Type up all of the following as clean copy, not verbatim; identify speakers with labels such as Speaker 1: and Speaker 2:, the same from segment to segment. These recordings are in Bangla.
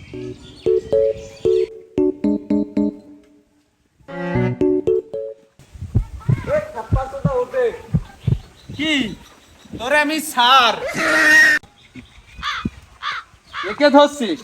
Speaker 1: কি তোরে আমি স্যার একে ধরছিস?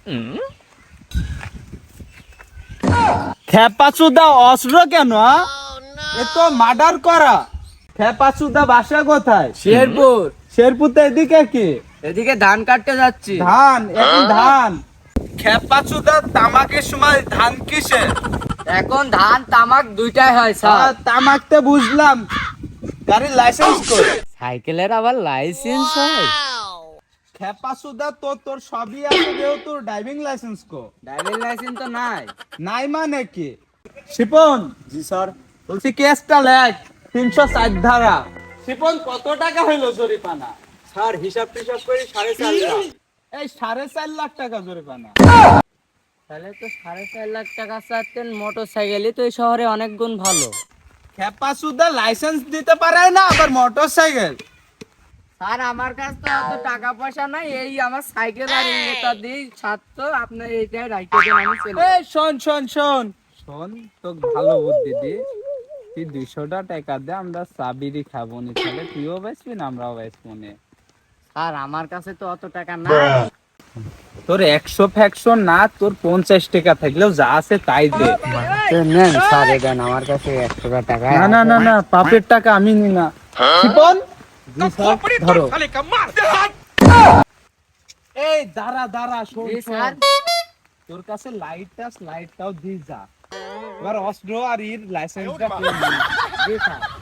Speaker 1: খেপাচুদা অস্ত্র কেন? এ তো মার্ডার করা। খেপাচুদা বাসা কোথায়?
Speaker 2: শেরপুর।
Speaker 1: শেরপুর তো এদিকে কি?
Speaker 2: এদিকে ধান কাটতে যাচ্ছি।
Speaker 1: ধান? এখন ধান? খেপাচুদা তামাকের সময় ধান কিসে?
Speaker 2: এখন ধান তামাক দুইটাই হয় স্যার।
Speaker 1: তামাকতে বুঝলাম, গাড়ির লাইসেন্স কই?
Speaker 2: সাইকেলের আবার লাইসেন্স হয়?
Speaker 1: খেপাচুদা তো তোর সবই আছে, যেহেতু ড্রাইভিং লাইসেন্স কো?
Speaker 2: ড্রাইভিং লাইসেন্স তো নাই।
Speaker 1: নাই মানে কি? শিপন।
Speaker 2: জি স্যার।
Speaker 1: বলছি কেসটা লেখ, 304 ধারা। শিপন কত টাকা হইলো জরিমানা?
Speaker 2: স্যার হিসাব টিসাব করে 4.5 লাখ।
Speaker 1: এই 4.5 লাখ টাকা জরিমানা?
Speaker 2: তাহলে তো 4.5 লাখ টাকা চাচ্ছেন। মোটরসাইকেলই তো এই শহরে অনেক গুণ ভালো।
Speaker 1: খেপাচুদা লাইসেন্স দিতে পারে না, আবার মোটরসাইকেল?
Speaker 2: স্যার আমার কাছে তো অত টাকা পয়সা নাই, এই আমার সাইকেল আর ইনভেটার দিই ছাত্র, আপনি এইটাই রাইখে দেন, আমি চলে
Speaker 1: এই শোন শোন শোন শোন, তোকে ভালো বুদ্ধি দি। তুই 200 টাকা দে, আমরা চাবিরি খাবো নি, তাহলে তুইও বেচবি না আমরাও বেচবো নি।
Speaker 2: স্যার আমার কাছে তো অত টাকা নাই।
Speaker 1: তোর 100 ফ্যাকশন না, তোর 50 টাকা থাকলেও যা আছে তাই দে।
Speaker 2: নেন স্যার, দেন আমার কাছে 100 টাকা।
Speaker 1: না না না না, পাপের টাকা আমি নি না। শিপন। জি স্যার। ধরো। এই দাঁড়া দাঁড়া, শোন
Speaker 2: জি
Speaker 1: শোন।
Speaker 2: স্যার।
Speaker 1: তোর কাছে লাইটটাও দি যা। এবার অস্ত্র আর ইর লাইসেন্সটা করে নি।
Speaker 2: জি স্যার।